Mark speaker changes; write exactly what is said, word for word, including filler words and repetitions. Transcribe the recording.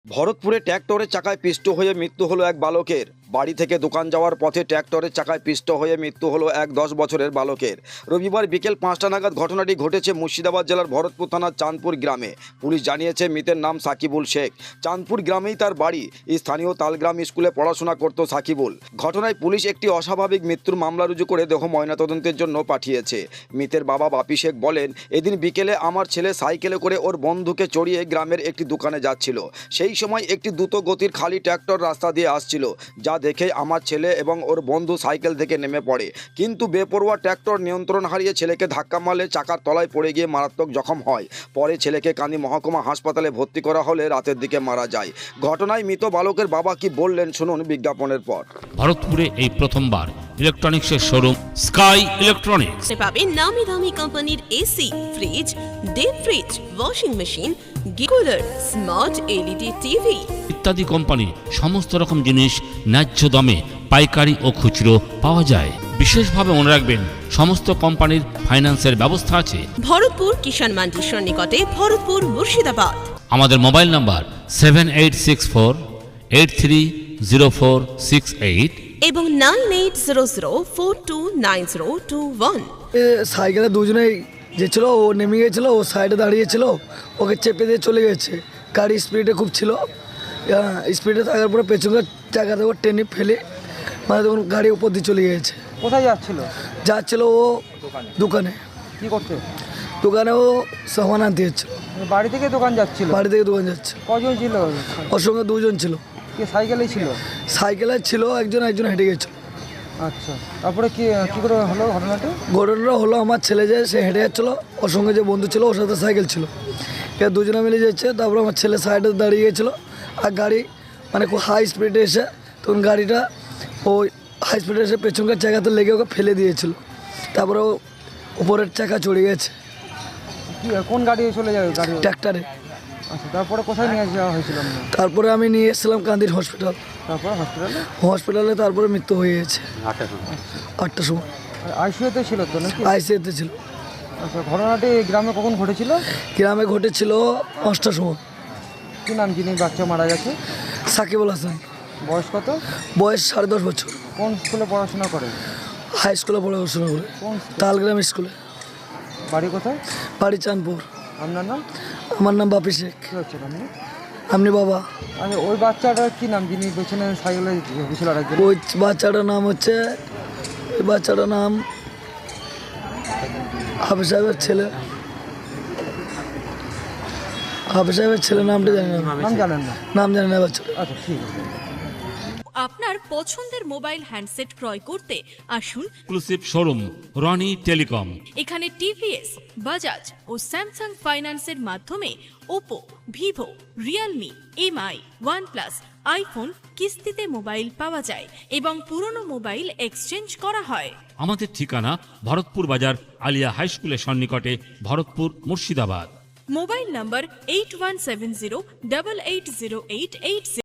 Speaker 1: ভরতপুরে ট্র্যাক্টরের চাকায় পিষ্ট হয়ে মৃত্যু হলো এক বালকের। বাড়ি থেকে দোকান যাওয়ার পথে ট্র্যাক্টরের চাকায় পিষ্ট হয়ে মৃত্যু হলো এক দশ বছরের বালকের। রবিবার বিকেল পাঁচটা নাগাদ ঘটনাটি ঘটেছে মুর্শিদাবাদ জেলার ভরতপুর থানার চাঁদপুর গ্রামে। পুলিশ জানিয়েছে মৃতের নাম সাকিবুল শেখ। চাঁদপুর গ্রামেই তার বাড়ি। স্থানীয় তালগ্রাম স্কুলে পড়াশোনা করত সাকিবুল। ঘটনায় পুলিশ একটি অস্বাভাবিক মৃত্যুর মামলা রুজু করে দেহ ময়নাতদন্তের জন্য পাঠিয়েছে। মৃতের বাবা বাপি শেখ বলেন, এদিন বিকেলে আমার ছেলে সাইকেলে করে ওর বন্ধুকে চড়িয়ে গ্রামের একটি দোকানে যাচ্ছিল। সেই সময় একটি দ্রুত গতির খালি ট্র্যাক্টর রাস্তা দিয়ে আসছিল, যা দেখে আমার ছেলে এবং ওর বন্ধু সাইকেল থেকে নেমে পড়ে। কিন্তু বেপরোয়া ট্র্যাক্টর নিয়ন্ত্রণ হারিয়ে ছেলেকে ধাক্কা মারলে চাকার তলায় পড়ে গিয়ে মারাত্মক জখম হয়। পরে ছেলেকে কান্দি মহকুমা হাসপাতালে ভর্তি করা হলে রাতের দিকে মারা যায়। ঘটনায় মৃত বালকের বাবা কি বললেন শুনুন বিজ্ঞাপনের পর।
Speaker 2: ভারতপুরে এই প্রথমবার ইলেকট্রনিক্সের শোরুম স্কাই ইলেকট্রনিক্স
Speaker 3: পাবেন নামি দামি কোম্পানির AC, fridge, deep fridge, washing machine, cooler, smart LED TV
Speaker 2: ইত্যাদি কোম্পানি সমস্ত রকম জিনিস ন্যায্য দামে পাইকারি ও খুচরো পাওয়া যায়। বিশেষভাবে মনে রাখবেন, সমস্ত কোম্পানির ফাইন্যান্সের ব্যবস্থা আছে।
Speaker 3: ভরতপুর কিষাণ মান্ডির সন্নিকটে, ভরতপুর মুর্শিদাবাদ।
Speaker 2: আমাদের mobile number seven eight six four eight three zero four six eight
Speaker 3: এবং nine eight zero zero four two nine zero two one.
Speaker 4: সাইকেলে দুজনেই যেছিল, ও নেমে গেছিলো, ও সাইডে দাঁড়িয়েছিল, ওকে চেপে দিয়ে চলে গেছে। গাড়ি স্পিডে খুব ছিল, স্পিডে থাকার পরে পেছনের চাকা থেকে টেনে ফেলে মানে তখন গাড়ি উপর দিয়ে চলে গেছে।
Speaker 5: কোথায় যাচ্ছিল?
Speaker 4: যাচ্ছিল ও দোকানে।
Speaker 5: কি করতে?
Speaker 4: দোকানে ও সামান আনতে যাচ্ছিল।
Speaker 5: বাড়ি থেকে দোকান যাচ্ছিল?
Speaker 4: বাড়ি থেকে দোকান যাচ্ছে।
Speaker 5: কজন ছিল?
Speaker 4: ওর সঙ্গে দুজন ছিল।
Speaker 5: কি সাইকেলেই ছিল?
Speaker 4: সাইকেলে ছিল একজন, একজন হেঁটে গেছিল।
Speaker 5: আচ্ছা, তারপরে কি কি করে হলো ঘটনাটা?
Speaker 4: ঘটনাটা হলো, আমার ছেলে যে সে হেঁটে যাচ্ছিলো, ওর সঙ্গে যে বন্ধু ছিল ওর সাথে সাইকেল ছিল, এবার দুজনে মিলে যাচ্ছে। তারপরে আমার ছেলে সাইডে দাঁড়িয়ে গেছিলো, আর গাড়ি মানে খুব হাই স্পিডে এসে তখন গাড়িটা ওই হাই স্পিডে এসে পেছনকার চাকাতে লেগে ওকে ফেলে দিয়েছিল। তারপরে ও উপরের চাকা চড়ে গেছে।
Speaker 5: কি কোন গাড়ি চলে যাবে? গাড়ি
Speaker 4: ট্র্যাক্টরে।
Speaker 5: আচ্ছা, তারপরে কোথায় নিয়ে যাওয়া হয়েছিল?
Speaker 4: তারপরে আমি নিয়ে এসেছিলাম কান্দির হসপিটাল।
Speaker 5: তারপরে হসপিটালে?
Speaker 4: হসপিটালে তারপরে মৃত্যু হয়ে গেছে আটটার সময়।
Speaker 5: আইসিইউতে ছিল তো নাকি?
Speaker 4: আইসিইউতে ছিল।
Speaker 5: আচ্ছা, ঘটনাটি গ্রামে কখন ঘটেছিল?
Speaker 4: গ্রামে ঘটেছিল পাঁচটার সময়।
Speaker 5: কি নাম যিনি বাচ্চা মারা গেছে?
Speaker 4: সাকিবুল হাসান।
Speaker 5: বয়স কত?
Speaker 4: বয়স সাড়ে দশ বছর।
Speaker 5: কোন স্কুলে পড়াশোনা করে?
Speaker 4: হাই স্কুলে পড়াশোনা করে।
Speaker 5: কোন?
Speaker 4: তালগ্রাম স্কুলে।
Speaker 5: বাড়ি কোথায়?
Speaker 4: বাড়ি চাঁদপুর।
Speaker 5: আপনার নাম?
Speaker 4: আমার নাম বাপি শেখ।
Speaker 5: কী হচ্ছে আপনি?
Speaker 4: আপনি বাবা?
Speaker 5: আচ্ছা, ওই বাচ্চাটার কি নাম যিনি পেছনে সাইকেলে গেছিল আরেকজন?
Speaker 4: ওই বাচ্চাটার নাম হচ্ছে, ওই বাচ্চাটার নাম হাফিজ সাহেবের ছেলে। হাফিজ সাহেবের ছেলে নামটা জানি না।
Speaker 5: নাম জানেন না?
Speaker 4: নাম জানি না বাচ্চাটা।
Speaker 5: আচ্ছা, ঠিক আছে।
Speaker 6: আপনার পছন্দের মোবাইল হ্যান্ডসেট ক্রয় করতে আসুন
Speaker 2: এক্সক্লুসিভ শোরুম রনি টেলিকম।
Speaker 6: এখানে টিভিএস, বাজাজ ও স্যামসাং ফাইন্যান্সের মাধ্যমে Oppo, Vivo, Realme, MI, OnePlus, iPhone কিস্তিতে মোবাইল পাওয়া যায় এবং পুরনো মোবাইল এক্সচেঞ্জ করা হয়।
Speaker 2: আমাদের ঠিকানা ভরতপুর বাজার আলিয়া হাই স্কুলের সন্নিকটে, Bharatpur Murshidabad.
Speaker 6: Mobile number eight one seven zero double eight zero eight eight